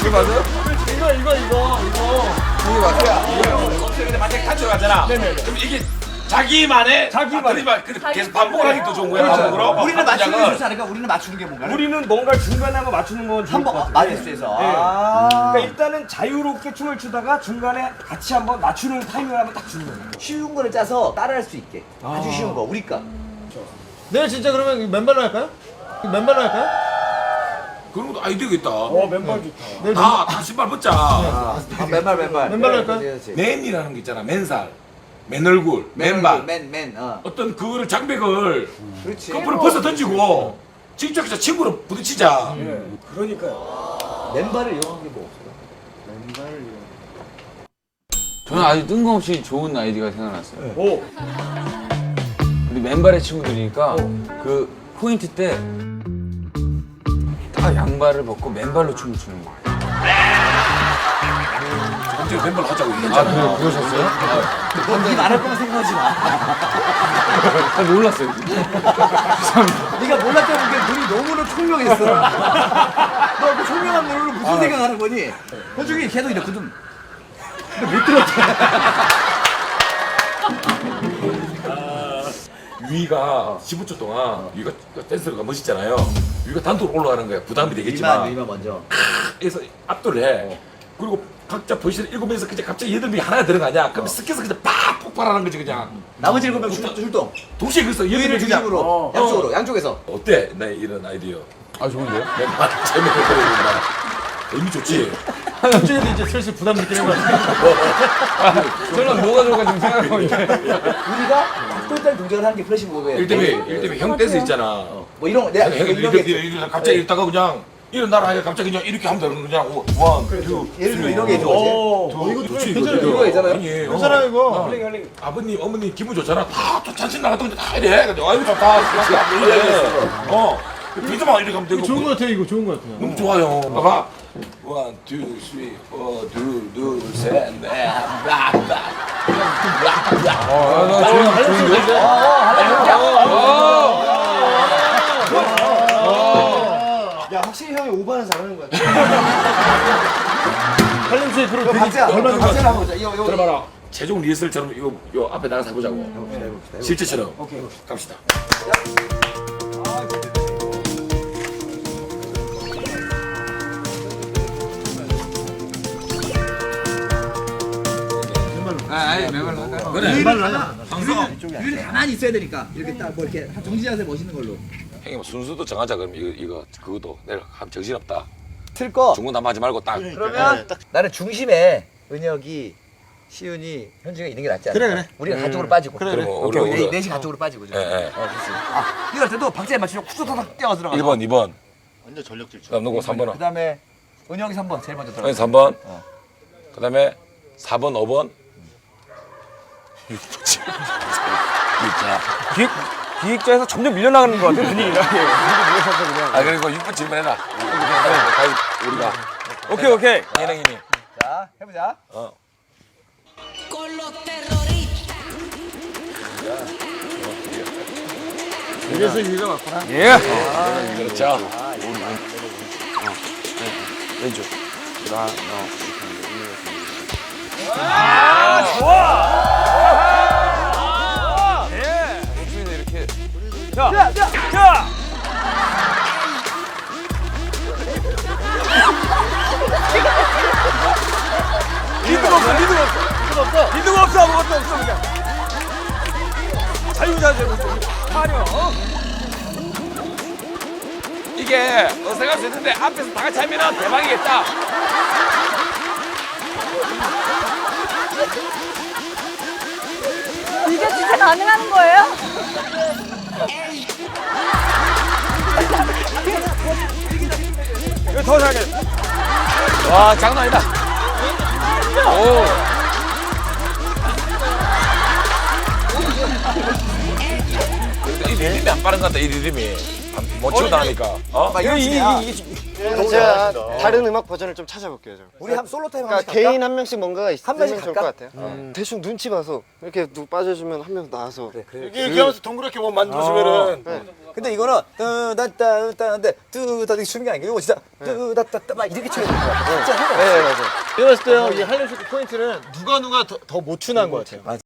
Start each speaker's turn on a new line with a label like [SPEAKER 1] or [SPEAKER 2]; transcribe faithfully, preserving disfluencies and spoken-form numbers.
[SPEAKER 1] 이게 맞아요?
[SPEAKER 2] 이거 이거 이거 이거.
[SPEAKER 1] 이게 맞아요?
[SPEAKER 3] 근데 만약에 같이 가잖아.
[SPEAKER 2] 네네네.
[SPEAKER 3] 그럼 이게 자기만의
[SPEAKER 2] 자기만의.
[SPEAKER 3] 말 계속 반복을 하기 또 좋은 거야. 반복으로.
[SPEAKER 4] 우리는 맞추는 게
[SPEAKER 3] 동작을.
[SPEAKER 4] 좋지 않을까? 우리는 맞추는 게 뭔가?
[SPEAKER 2] 우리는 뭔가 중간에 한번 맞추는 건 좋을
[SPEAKER 4] 한번
[SPEAKER 2] 것 같아요.
[SPEAKER 4] 마이너스에서.
[SPEAKER 2] 네.
[SPEAKER 4] 아.
[SPEAKER 2] 그러니까 일단은 자유롭게 춤을 추다가 중간에 같이 한번 맞추는 타이밍을 한번 딱 주는 거예요.
[SPEAKER 4] 쉬운 거를 짜서 따라할 수 있게. 아주 쉬운 거. 우리가.
[SPEAKER 5] 내일 진짜 그러면 맨발로 할까요? 맨발로 할까요?
[SPEAKER 3] 그런 것도 아이디어가 있다.
[SPEAKER 2] 어 맨발 좋다.
[SPEAKER 5] 내일
[SPEAKER 3] 다, 다 신발 벗자.
[SPEAKER 4] 아, 맨발 맨발.
[SPEAKER 5] 맨발로 할까요?
[SPEAKER 4] 그렇지, 그렇지.
[SPEAKER 3] 맨이라는 게 있잖아. 맨살, 맨 얼굴, 맨발.
[SPEAKER 4] 맨, 맨. 어.
[SPEAKER 3] 어떤 그거를 장벽을
[SPEAKER 4] 그렇지.
[SPEAKER 3] 거꾸로 벗어 던지고 직접해서 친구로 부딪히자.
[SPEAKER 2] 예. 그러니까요.
[SPEAKER 4] 맨발을 이용한 게 뭐 없어요?
[SPEAKER 1] 저는 아주 뜬금없이 좋은 아이디어가 생각났어요.
[SPEAKER 2] 오.
[SPEAKER 1] 우리 맨발의 친구들이니까 그 포인트 때 다 양발을 벗고 맨발로 춤을 추는 거예요.
[SPEAKER 3] 갑자기 맨발 하자고
[SPEAKER 1] 아,
[SPEAKER 3] 얘기했잖아.
[SPEAKER 1] 그, 그러셨어요?
[SPEAKER 4] 넌네 말할 거면 생각하지 마.
[SPEAKER 1] 아, 몰랐어요. 죄송합니다.
[SPEAKER 4] 네가 몰랐다는 게 눈이 너무나 총명했어. 너 그 총명한 눈으로 무슨 생각하는 거니? 호중이 계속 이랬거든. 근데 못 들었대.
[SPEAKER 3] 위가 십오 초 동안 위가 댄서가 멋있잖아요. 위가 단독으로 올라가는 거야. 부담이
[SPEAKER 4] 이만,
[SPEAKER 3] 되겠지만
[SPEAKER 4] 이만 먼저.
[SPEAKER 3] 그래서 압도를 해. 그리고 각자 포지션을 일곱 명에서 그냥 갑자기 여덟 명이 하나에 들어가냐? 그럼 스케서 그냥 팍 폭발하는 거지 그냥.
[SPEAKER 4] 나머지 일곱 명 출- 출동.
[SPEAKER 3] 동시에 그래서 여덟
[SPEAKER 4] 유인을
[SPEAKER 3] 명 그냥
[SPEAKER 4] 중심으로.
[SPEAKER 3] 어,
[SPEAKER 4] 양쪽으로,
[SPEAKER 3] 어.
[SPEAKER 4] 양쪽에서.
[SPEAKER 3] 어때? 나 이런 아이디어.
[SPEAKER 1] 아, 좋은데요?
[SPEAKER 3] 맨발 재미를 보여준다. 의미 좋지?
[SPEAKER 5] 남준이도 이제 슬슬 부담 느끼는 것 같아요.
[SPEAKER 1] 저는 뭐가 좋을까 지금 생각하고 있는데.
[SPEAKER 4] 우리가 똘똘 동작을 하는 게 플래시 모브예요.
[SPEAKER 3] 일 대비 일 대비 형 댄스 있잖아.
[SPEAKER 4] 뭐 이런 거, 내가
[SPEAKER 3] 형
[SPEAKER 4] 이런
[SPEAKER 3] 이렇게
[SPEAKER 4] 게.
[SPEAKER 3] 이렇게 갑자기 이러다가 그냥 일어나라 하니까 갑자기 그냥 이렇게 하면 되는 거냐? 원, 투,
[SPEAKER 4] 예를 들어 이런 게 좋지.
[SPEAKER 2] 오.
[SPEAKER 3] 이거 좋지
[SPEAKER 4] 괜찮아요. 이거 있잖아요.
[SPEAKER 3] 아니, 어.
[SPEAKER 5] 괜찮아요, 이거.
[SPEAKER 3] 어.
[SPEAKER 2] 할링 할링.
[SPEAKER 3] 아버님, 어머님 기분 좋잖아. 다, 또 잔신 나갔던 건다 이래. 근데 아이고 좋다. 그래. 어. 비도만 이렇게 하면 되고.
[SPEAKER 5] 좋은 것 같아요, 이거 좋은 것 같아요.
[SPEAKER 3] 너무 좋아요. 봐봐. 원, 투, 쓰리, 포, 둘, 둘, 셋, 넷, 락, 락.
[SPEAKER 1] 아, 나 좋은, 좋은데요?
[SPEAKER 4] 야, 확실히 형이 오버는 잘하는 거야.
[SPEAKER 5] 할림씨 그럼
[SPEAKER 4] 이거 박자, 얼마나 박자를 한번 보자. 이거, 이거.
[SPEAKER 3] 들어봐라. 최종 리허설처럼 이거 요 앞에 나가서 해보자고. 실제처럼.
[SPEAKER 2] 오케이.
[SPEAKER 3] 갑시다.
[SPEAKER 1] 아, 아니, 맨발로 할까요?
[SPEAKER 3] 그래.
[SPEAKER 4] 유인을 가만히 있어야 되니까. 이렇게 딱 뭐 이렇게 정지 자세 멋있는 걸로.
[SPEAKER 3] 형님 뭐 순서도 정하자 그럼 이거 이거 그것도 내가 한 정신없다.
[SPEAKER 4] 틀 거.
[SPEAKER 3] 중구난방하지 말고 딱.
[SPEAKER 4] 그러면 나는 중심에 은혁이, 시윤이, 현주가 있는 게 낫지 않아?
[SPEAKER 5] 그래, 그래.
[SPEAKER 4] 우리가 가쪽으로 빠지고.
[SPEAKER 3] 그럼
[SPEAKER 4] 오케이,
[SPEAKER 3] 우리
[SPEAKER 4] 오케이.
[SPEAKER 3] 우리
[SPEAKER 4] 넷이 가쪽으로 빠지고.
[SPEAKER 3] 예, 예.
[SPEAKER 4] 어, 그렇지. 아, 이거 할 때도 박자에 맞추면 쿡소타닥 뛰어 들어가.
[SPEAKER 3] 일 번, 이 번.
[SPEAKER 6] 완전 전력 질주.
[SPEAKER 3] 그다음 누구 삼 번은?
[SPEAKER 4] 그다음에 은혁이 삼 번 제일 먼저 들어가.
[SPEAKER 3] 형이 삼 번.
[SPEAKER 4] 어.
[SPEAKER 3] 그다음에 사 번, 오 번. 육 번, 칠 번. 진짜.
[SPEAKER 2] 기획 기획자에서 점점 밀려나가는 것 같아 분위기가. 예. 그냥.
[SPEAKER 3] 아 그리고 육 번 질문해라. 가위 우리가
[SPEAKER 2] 오케이 오케이.
[SPEAKER 3] 예능이니.
[SPEAKER 4] 자, 해보자.
[SPEAKER 3] 어.
[SPEAKER 7] con los terroristas.
[SPEAKER 5] 이래서 유희가 맞구나.
[SPEAKER 2] 예.
[SPEAKER 3] 그렇죠.
[SPEAKER 2] 왼쪽. 나 너. 자, 자, 자. 리드가 없어, 리드가 없어. 리드가 없어. 리드가 없어, 아무것도 없어, 그냥. 자유자재로 좀 하려.
[SPEAKER 3] 이게 어색할 수 있는데 앞에서 다 같이 하면 대박이겠다.
[SPEAKER 8] 이게 진짜 가능한 거예요?
[SPEAKER 2] 이거 더 잘해.
[SPEAKER 3] 와 장난 아니다. 오. 이 리듬이 안 빠른 것 같다. 이 리듬이 못 치고 나니까. 어?
[SPEAKER 4] 막
[SPEAKER 2] 이거
[SPEAKER 4] 이런
[SPEAKER 2] 이게
[SPEAKER 4] 식이야.
[SPEAKER 2] 이게
[SPEAKER 6] 제가 다른 음악 버전을 좀 찾아볼게요. 좀.
[SPEAKER 4] 우리 한 솔로 타임
[SPEAKER 6] 그러니까 개인 한 명씩 뭔가가 있으면
[SPEAKER 4] 명씩
[SPEAKER 6] 좋을
[SPEAKER 4] 갈까?
[SPEAKER 6] 것 같아요. 음. 대충 눈치 봐서 이렇게 누구 빠져주면 한 명 나와서.
[SPEAKER 3] 이렇게 하면서 동그랗게 뭐 만들어주면은
[SPEAKER 6] 네.
[SPEAKER 4] 근데 이거는 뜨다따따인데 뜨다 이렇게 추는 게 아니고 이거 진짜 뜨다따따 막 이렇게 쳐야 되는 거 같아. 진짜 해봐.
[SPEAKER 6] 네, 맞아요.
[SPEAKER 5] 제가 봤을 때요, 이 할렘 쇼크 포인트는 누가 누가 더 못 추는 것 같아요.